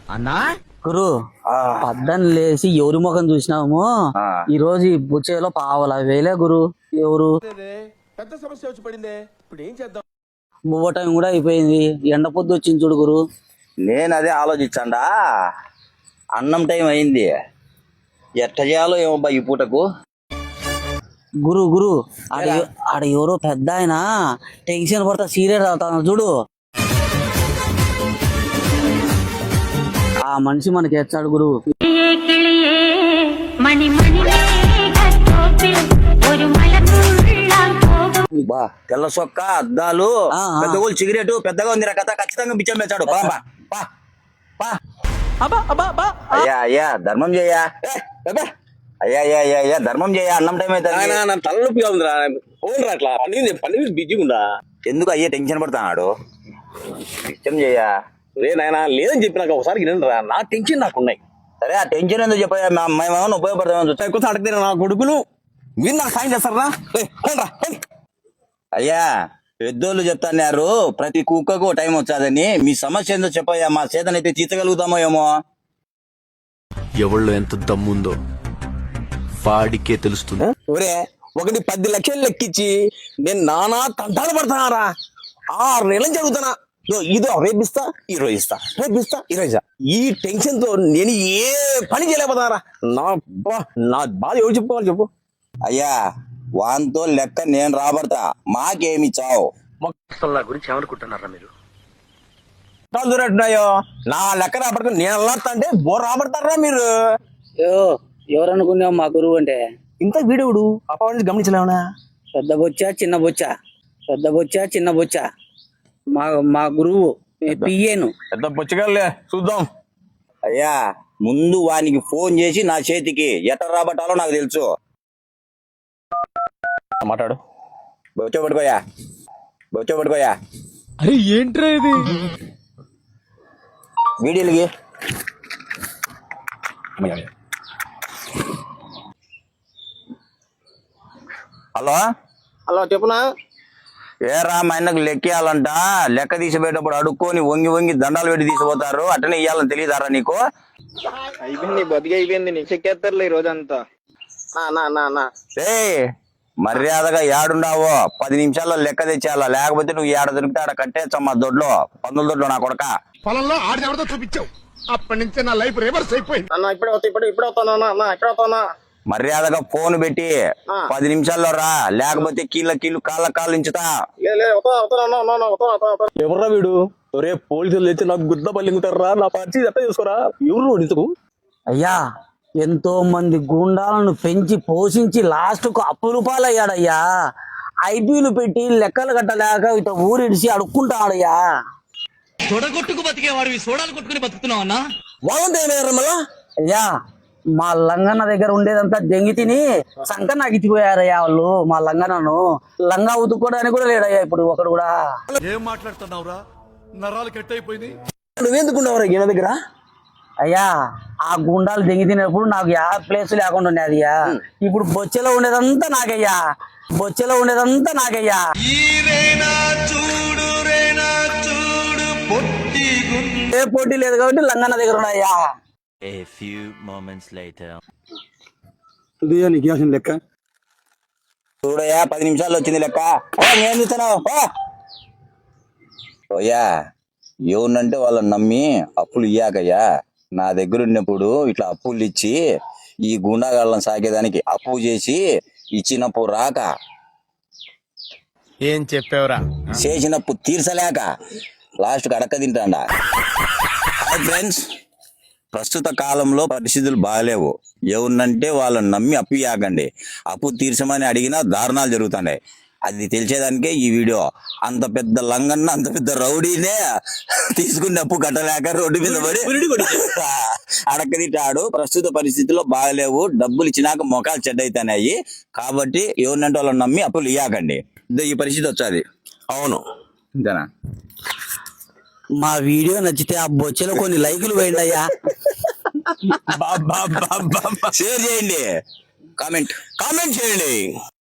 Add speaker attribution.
Speaker 1: అన్నా
Speaker 2: గురు పద్దన లేసి ఎవరి ముఖం చూసినాము ఈ రోజు ఈ బుచ్చేలో 5,000 గురు. ఎవరు
Speaker 1: పెద్ద సమస్య వచ్చి పడిందే, ఇప్పుడు ఏం చేద్దాం?
Speaker 2: బువ్వ టైం కూడా అయిపోయింది, ఎండ పొద్దు వచ్చింది చూడు గురు.
Speaker 3: నేను అదే ఆలోచించండా, అన్నం టైం అయింది, ఎట్ట చేయాలో ఏమబ్బా ఈ పూటకు.
Speaker 2: గురు గురు ఆడ ఎవరో పెద్ద ఆయన టెన్షన్ పడతా సీరియస్ అవుతాను చూడు. ఆ మనిషి మనకి ఎచ్చాడు గురు.
Speaker 3: బా తెల్ల సొక్క అద్దాలు పెద్ద సిగరెట్ పెద్దగా ఉంది కథ, ఖచ్చితంగా బిచ్చం పెంచాడు. అయ్యా అయ్యా ధర్మం చేయా, అయ్యా అయ్యా అయ్యా అయ్యా ధర్మం చేయా, అన్నం టైం అయితే
Speaker 1: తలనొప్పిగా ఉందిరా, ఓన్రా అట్లా పని బిజీగా ఉందా?
Speaker 3: ఎందుకు అయ్యే టెన్షన్ పడతాడు, బిచ్చం చేయా.
Speaker 1: నాయనా లేదని చెప్పినాక ఒకసారి వినండిరా, నా టెన్షన్ నాకున్నాయి.
Speaker 3: సరే ఆ టెన్షన్ ఎందుకు చెప్పా, మేమేమన్నా ఉపయోగపడతామని చూస్తా.
Speaker 1: ఎక్కువ అడిగితే నా కొడుకులు మీరు నాకు సాయం చేస్తారా?
Speaker 3: అయ్యా పెద్దోళ్ళు చెప్తాన్నారు ప్రతి కుక్కకు టైం వచ్చాదని. మీ సమస్య ఏందో చెప్పయ్యా, మా చేతనైతే తీర్చగలుగుతామో ఏమో.
Speaker 4: ఎవళ్ళో ఎంత దమ్ముందో వాడికే తెలుస్తుంది.
Speaker 1: ఒరే 10 లక్షలు లెక్కించి నేను నానా తంటాలు పడుతున్నారా, 6 నెలలు జరుగుతున్నా. ఇదో రేపిస్తా ఈరోజు ఇస్తా, రేపిస్తా ఈరోజు. ఈ టెన్షన్ తో నేను ఏ పని చేయలేకపోతున్నారా. నా బాధ ఎవరు చెప్పుకోవాలి చెప్పు.
Speaker 3: అయ్యా వాంతో లెక్క నేను రాబడతా, మాకేమి చావు.
Speaker 1: మొక్కల గురించి ఏమనుకుంటున్నారా మీరు? దూరట్టున్నాయో నా లెక్క రాబడుతుంది, నేను అల్లాడుతా అంటే బోర్ రాబడతారా మీరు?
Speaker 2: ఎవరనుకున్నావు మా గురువు అంటే?
Speaker 1: ఇంత వీడియోడు అప్పటి నుంచి గమనించలేవునా?
Speaker 2: పెద్ద బొచ్చ చిన్న బొచ్చ, పెద్ద బొచ్చ చిన్న బొచ్చ, మా గురువు పియ్యేను.
Speaker 1: పెద్ద బొచ్చగాళ్ళే చూద్దాం.
Speaker 3: అయ్యా ముందు వానికి ఫోన్ చేసి నా చేతికి ఎట్ట రాబట్టాలో నాకు తెలుసు.
Speaker 1: మాట్లాడు.
Speaker 3: బొచ్చ పట్టుకోయా, బొచ్చ పట్టుకోయా.
Speaker 4: అరే ఏంట్రా ఇది?
Speaker 3: వీడియోలకి హలో
Speaker 1: హలో చెప్పునా?
Speaker 3: ఏరా మా ఆయనకు లెక్కేయాలంట, లెక్క తీసిపోయేటప్పుడు అడుక్కొని వంగి వంగి దండాలు పెట్టి తీసిపోతారు, అట్టనే ఇయ్యాలని తెలియదారా నీకు?
Speaker 5: అయిపోయింది బతికి అయిపోయింది, నీకు చెక్కేస్తారులే ఈ రోజంతా.
Speaker 3: ఏ మర్యాదగా ఏడుండావో 10 నిమిషాల్లో లెక్క తెచ్చేయాలా, లేకపోతే నువ్వు ఏడ దొరికితే ఆడ కట్టేచ్చమ్మా దొడ్లో, 19 దొడ్లో నా కొడక.
Speaker 6: పొలంలో ఆడెవరితో చూపించావు, అప్పటి నుంచి నా లైఫ్ రివర్స్ అయిపోయింది.
Speaker 5: అన్న ఇప్పుడు అవుతానా?
Speaker 3: మర్యాదగా ఫోన్ పెట్టి 10 నిమిషాల్లో రా, లేకపోతే కీళ్ళు కాళ్ళు ఇంచుతా.
Speaker 1: ఎవర్రా వీడు? ఒరే పోలీసులు తెచ్చి నాకు గుద్ద పల్లింగుతారా, నా పరిస్థితి ఎట్లా చేసుకోరా? ఎవరు ఇంతకు?
Speaker 2: అయ్యా ఎంతో మంది గుండాలను పెంచి పోషించి లాస్ట్ కు అప్పులు పాలయ్యాడయ్యా. ఐపీలు పెట్టి లెక్కలు కట్టలేక ఇట ఊరిడిసి అడుక్కుంటాడయ్యా.
Speaker 7: తొడగొట్టుకు బతికేవాడు సోడాలు కొట్టుకుని బతుకుతున్నావు అన్నా.
Speaker 1: వాళ్ళంతా ఏమయ్యారా మళ్ళా?
Speaker 2: అయ్యా మా లంగన్న దగ్గర ఉండేదంతా దెంగి తిని సంకన అగిచిపోయారయ్యా వాళ్ళు. మా లంగనను లంగా ఉతుక్కోవడానికి కూడా లేడయ్యా ఇప్పుడు ఒకడు కూడా.
Speaker 6: ఏం మాట్లాడుతున్నావురా, నరాలు కట్ అయిపోయింది.
Speaker 1: నువ్వెందుకున్నావురా ఈయన దగ్గర?
Speaker 2: అయ్యా ఆ గుండాలు దెంగి తినేప్పుడు నాకు యా ప్లేస్ లేకుండా ఉండేదయ్యా. ఇప్పుడు బొచ్చెలో ఉండేదంతా నాకయ్యా, బొచ్చెలో ఉండేదంతా నాకయ్యా. ఏ పోటీ లేదు కాబట్టి లంగన్న దగ్గర ఉన్నాయ్యా.
Speaker 4: A few moments later.
Speaker 1: నీకు లెక్క
Speaker 3: చూడయా 10 నిమిషాల్లో వచ్చింది లెక్క. నేను చూస్తున్నావు ఓయా, ఏముందంటే వాళ్ళని నమ్మి అప్పులు ఇయ్యాకయ్యా. నా దగ్గర ఉన్నప్పుడు ఇట్లా అప్పులు ఇచ్చి ఈ గుండాగాళ్ళని సాగేదానికి అప్పు చేసి ఇచ్చినప్పు రాక,
Speaker 4: ఏం చెప్పావురా?
Speaker 3: చేసినప్పు తీర్చలేక లాస్ట్కి అడక్క తింటాడా. హాయ్ ఫ్రెండ్స్, ప్రస్తుత కాలంలో పరిస్థితులు బాగాలేవు. ఏముందంటే వాళ్ళని నమ్మి అప్పు ఇవ్వకండి. అప్పు తీర్చమని అడిగినా దారుణాలు జరుగుతున్నాయి. అది తెలిసేదానికే ఈ వీడియో. అంత పెద్ద లంగన్న, అంత పెద్ద రౌడీనే తీసుకున్న అప్పు కట్టలేక రోడ్డు మీద పడి అడక్క తింటాడు. ప్రస్తుత పరిస్థితుల్లో బాగలేవు, డబ్బులు ఇచ్చినాక మొఖాలు చెడ్డైతున్నాయి. కాబట్టి ఏముందంటే వాళ్ళని నమ్మి అప్పులు ఇవ్వకండి. ఈ పరిస్థితి వచ్చాది.
Speaker 1: అవును
Speaker 3: ఇంతేనా?
Speaker 2: మా వీడియో నచ్చితే ఆ బొచ్చెలో కొన్ని లైకులు వేయండి అయ్యా.
Speaker 3: షేర్ చేయండి, కామెంట్ చేయండి.